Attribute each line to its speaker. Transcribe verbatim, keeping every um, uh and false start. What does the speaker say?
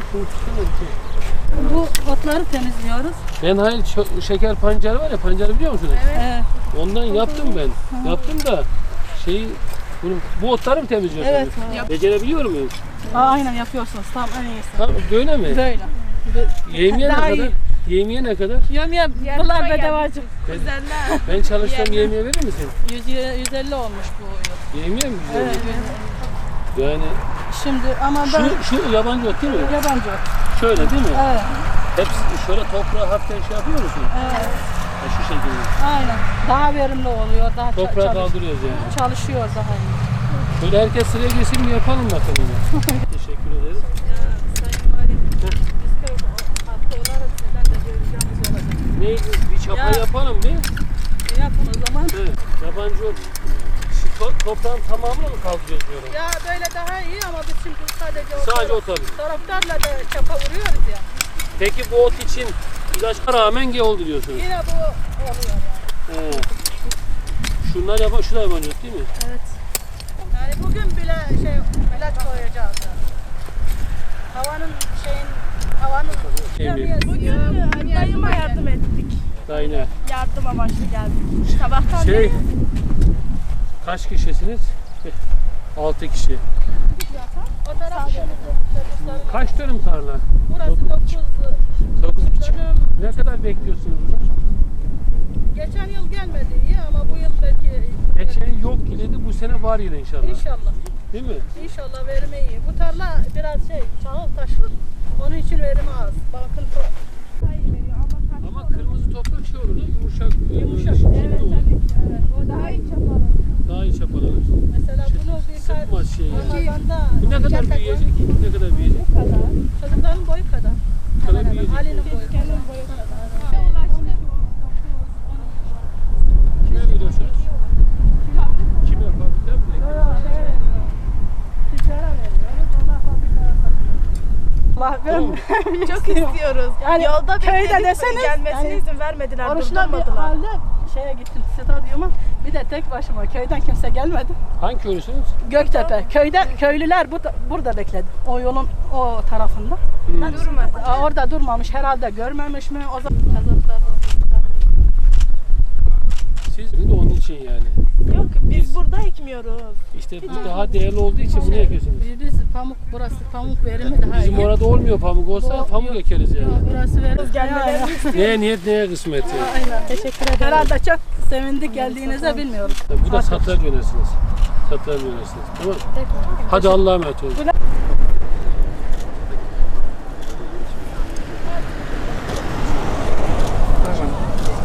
Speaker 1: Şunu tutsana bir şey.
Speaker 2: Bu otları temizliyoruz.
Speaker 1: Ben hayır şeker pancarı var ya, pancarı biliyor musunuz?
Speaker 2: Evet.
Speaker 1: Ondan yaptım ben. Yaptım da şeyi bunu, bu otları mı temizliyorsunuz?
Speaker 2: Evet. evet.
Speaker 1: Becerebiliyor muyum?
Speaker 2: Aa, aynen yapıyorsunuz. Tam en iyisi.
Speaker 1: Tamam, böyle mi?
Speaker 2: Böyle.
Speaker 1: Yemeğe ne
Speaker 2: Daha
Speaker 1: kadar?
Speaker 2: iyi.
Speaker 1: Yemeğe ne kadar?
Speaker 2: Yem yem. Bunlar bedavacı.
Speaker 1: Ben, ben çalışsam yemeğe verir misin?
Speaker 2: yüz, yüz elli olmuş bu yıl.
Speaker 1: Yemeğe mi?
Speaker 2: Evet.
Speaker 1: Yani
Speaker 2: Şimdi ama ben
Speaker 1: şu, şu yabancı ot değil mi?
Speaker 2: yabancı.
Speaker 1: Şöyle değil mi?
Speaker 2: Evet.
Speaker 1: Hepsi şöyle toprağa hafiften şey yapıyor musun?
Speaker 2: Evet.
Speaker 1: Ha, şu şekilde.
Speaker 2: Aynen. Daha verimli oluyor. Daha
Speaker 1: Toprağa
Speaker 2: çalış-
Speaker 1: kaldırıyoruz yani.
Speaker 2: çalışıyor daha iyi.
Speaker 1: Böyle herkes sıraya girsin mi yapalım bakalım. Teşekkür ederiz.
Speaker 2: Ya Sayın Valim, biz köy halkı olarak sizden de göreceğimiz olacak.
Speaker 1: Ne? Bir çapa
Speaker 2: Ya.
Speaker 1: yapalım bir.
Speaker 2: Yapın o zaman.
Speaker 1: Evet. Yabancı ot. Şu to- toprağın tamamını mı kaldırıyoruz diyorum?
Speaker 2: Ya böyle daha iyi ama biz şimdi sadece o
Speaker 1: Sadece ot alıyoruz.
Speaker 2: taraftarla da çapa vuruyoruz ya.
Speaker 1: Peki bu ot için ilaçlara rağmen ge oldu diyorsunuz.
Speaker 2: Yine bu oluyor yani.
Speaker 1: He. Şunlar yaban, şu da yabancı ot değil mi?
Speaker 2: Evet. Yani bugün bile şey ilaç koyacağız. Yani. Havanın şeyin havanın
Speaker 1: Şey
Speaker 3: Bugün dayıma yardım ettik.
Speaker 1: Dayına.
Speaker 3: Yardım amaçlı geldik. Sabahtan
Speaker 1: Şey,
Speaker 3: beri
Speaker 1: kaç kişisiniz? Altı kişi.
Speaker 2: o taraf
Speaker 1: Kaç dönüm tarla?
Speaker 2: burası dokuz
Speaker 1: Dokuz buçuk.
Speaker 2: dönüm.
Speaker 1: Ne kadar bekliyorsunuz burada?
Speaker 2: Geçen yıl gelmedi iyi ama bu yıl belki
Speaker 1: Geçen yok gidildi, bu sene var yine inşallah.
Speaker 2: İnşallah.
Speaker 1: Değil mi?
Speaker 2: İnşallah verimi iyi. Bu tarla biraz şey çağıl taşlı. Onun için verimi az. Bakın çok
Speaker 3: veriyor ama
Speaker 1: Ama kırmızı toprak şey olur da yumuşak.
Speaker 2: Yumuşak.
Speaker 3: evet tabii ki. Evet. O daha iyi çapalı.
Speaker 1: Daha iyi çapalanır.
Speaker 2: mesela bunu bir
Speaker 1: Sıkmaz şey yani.
Speaker 2: Ramazan'da
Speaker 1: Bu ne kadar büyüyecek? Ne kadar büyüyecek?
Speaker 3: Bu kadar.
Speaker 2: çocukların boyu kadar.
Speaker 1: kadar
Speaker 2: Hemen hemen.
Speaker 1: büyüyecek.
Speaker 2: Ali'nin boyu kadar.
Speaker 3: Kendi boyu kadar. Ulaştı.
Speaker 1: Kime veriyorsunuz? Kime? Fabrika mı?
Speaker 2: Tüccara veriyoruz. Onlar fabrikaya satıyor. Allah ben
Speaker 3: Çok istiyoruz.
Speaker 2: Yani
Speaker 3: Yolda
Speaker 2: köyde
Speaker 3: bekledik,
Speaker 2: deseniz,
Speaker 3: gelmesine
Speaker 2: yani
Speaker 3: izin vermediler,
Speaker 2: oruçlar bir
Speaker 3: durdurmadılar.
Speaker 2: halde şeye gittim stadyuma. Bir de tek başıma köyden kimse gelmedi.
Speaker 1: Hangi köylüsünüz?
Speaker 2: Göktepe. Köyde köylüler bu, burada bekledi. O yolun o tarafında.
Speaker 1: Hmm.
Speaker 3: Durmadı.
Speaker 2: Aa, orada durmamış herhalde görmemiş mi? O zaman kazaklar.
Speaker 1: Siz de onun için yani.
Speaker 3: Yok biz burada ekmiyoruz.
Speaker 1: İşte bu daha değerli olduğu için bunu ekiyorsunuz.
Speaker 2: Biz, biz pamuk burası pamuk verimi daha
Speaker 1: Bizim
Speaker 2: iyi.
Speaker 1: orada olmuyor pamuk olsa
Speaker 2: Bu-
Speaker 1: pamuk ekeriz yani.
Speaker 2: Burası verimi.
Speaker 3: Gelmelerini istiyoruz.
Speaker 1: Neye niyet neye kısmet yani.
Speaker 2: Aynen. Teşekkür ederim. Herhalde çok sevindik geldiğinizde bilmiyoruz.
Speaker 1: Bu da satranç yönetsiniz. Satranç yönetsiniz. Tamam. Hadi Allah'a emanet olun.